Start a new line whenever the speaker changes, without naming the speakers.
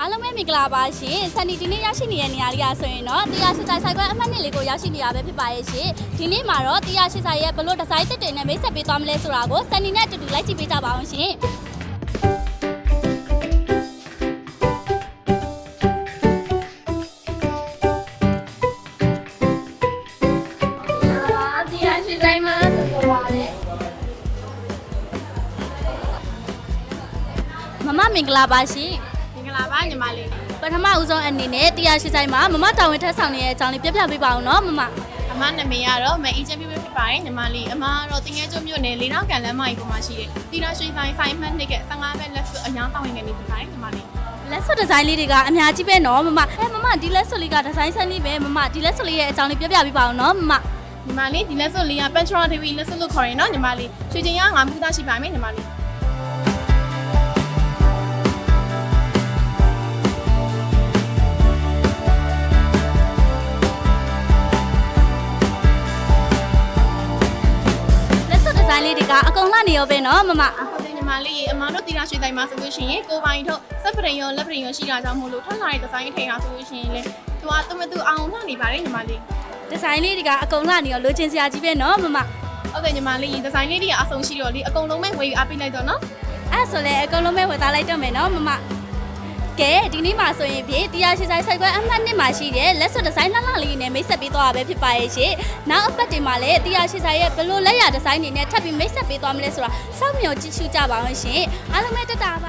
အားလုံးပဲမင်္ဂလာပါရှင်။ဆန်နီဒီနေ့ရရှိနေတဲ့နေရာလေးကဆိုရင်တော့180ဆိုင်ခွဲအမှတ်2လေးကိုရောက်ရှိနေရပဲဖြစ်ပါရဲ့ရှင်။ဒီနေ့မှာတော့180ဆိုင်ရဲ့ဘလို့ဒီဇိုင်းတစ်တွေနဲ့မိတ်ဆက်ပေးသွားမလဲဆိုတာကိုဆန်နီနဲ့အတူတူလိုက်ကြည့်ပေးကြပါအောင်ရှင်။မမမင်္ဂလာပါရှင်။
မင်္ဂလာပါညီမလေး
ပထမဦးဆုံးအနေနဲ့180ဆိုင်မှာမမတာဝန်ထမ်းဆောင်နေတဲ့အကြောင်းလေးပြပြပေးပါအောင်နော်မမ
အမနာမည်ကတော့မအေးချမ်းပြဖြစ်ပါတယ်ညီမလေးအမကတော့တင်ငယ်ကျွမြို့နယ်လေးနောက်ကန်လမ်းမကြီးပေါ်မှာရှိတဲ့တီရာရွှေဆိုင်ဆိုင်မှတ်နှစ်က15ပဲလက်စွပ်အများတောင်းဝင်နေပြီဖြစ်ပါတယ်ညီမလေး
လက်စွပ်ဒီဇိုင်းလေးတွေကအများကြီးပဲနော်မမမမဒီလက်စွပ်လေးကဒီဇိုင်းဆန်းလေးပဲမမဒီလက်စွပ်လေးရဲ့အကြောင်းလေးပြပြပေးပါအောင်နော်မမ
ညီမလေးဒီလက်စွပ်လေးက Pension TV လက်စွပ်လို့ခေါ်ရင်နော်ညီမလေးရွှေချင်းရငါမှုသားရှိပါမယ်ညီမလေး
ဒီဇိုင်းလေးတွေကအကုန်လှနေရောပဲနော်မမ
ဟုတ်တယ်ညီမလေးအမတို့တီရာရွှေဆိုင်မှာဆိုလို့ရှိရင်ကိုပိုင်ထုတ်စက်ပရင်ရောလက်ပရင်ရောရှိတာကြောင့်မို့လို့ထွက်လာတဲ့ဒီဇိုင်းထိန်တာဆိုလို့ရှိရင်လေသူကသူ့မသူအောင်လှနေပါတယ်ညီမလေး
ဒီဇိုင်းလေးတွေကအကုန်လှနေရောလိုချင်စရာကြီးပဲနော်မမ
ဟုတ်တယ်ညီမလေးဒီဇိုင်းလေးတွေကအဆုံးရှိတော့လေအကုန်လုံးပဲဝယ်ယူအားပေးလိုက်တော့နော်
အဲ့ဆိုလဲအကုန်လုံးပဲဝယ်သားလိုက်တော့မယ်နော်မမကဲဒီနေ့မှာဆိုရင်ဖြင့်180ဆိုင်ဆိုင်ခွဲအမှတ်1မှာရှိတဲ့လက်စွပ်ဒီဇိုင်းလှလှလေးနဲ့မိတ်ဆက်ပေးသွားတာပဲဖြစ်ပါရဲ့ရှင်နောက်အပတ်တင်မှာလည်း180ဆိုင်ရဲ့ဘလို့လက်ရဒီဇိုင်းတွေနဲ့ထပ်ပြီးမိတ်ဆက်ပေးသွားမလဲဆိုတာစောင့်မျှော်ကြည့်ရှုကြပါအောင်ရှင်အားလုံးပဲတက်တာ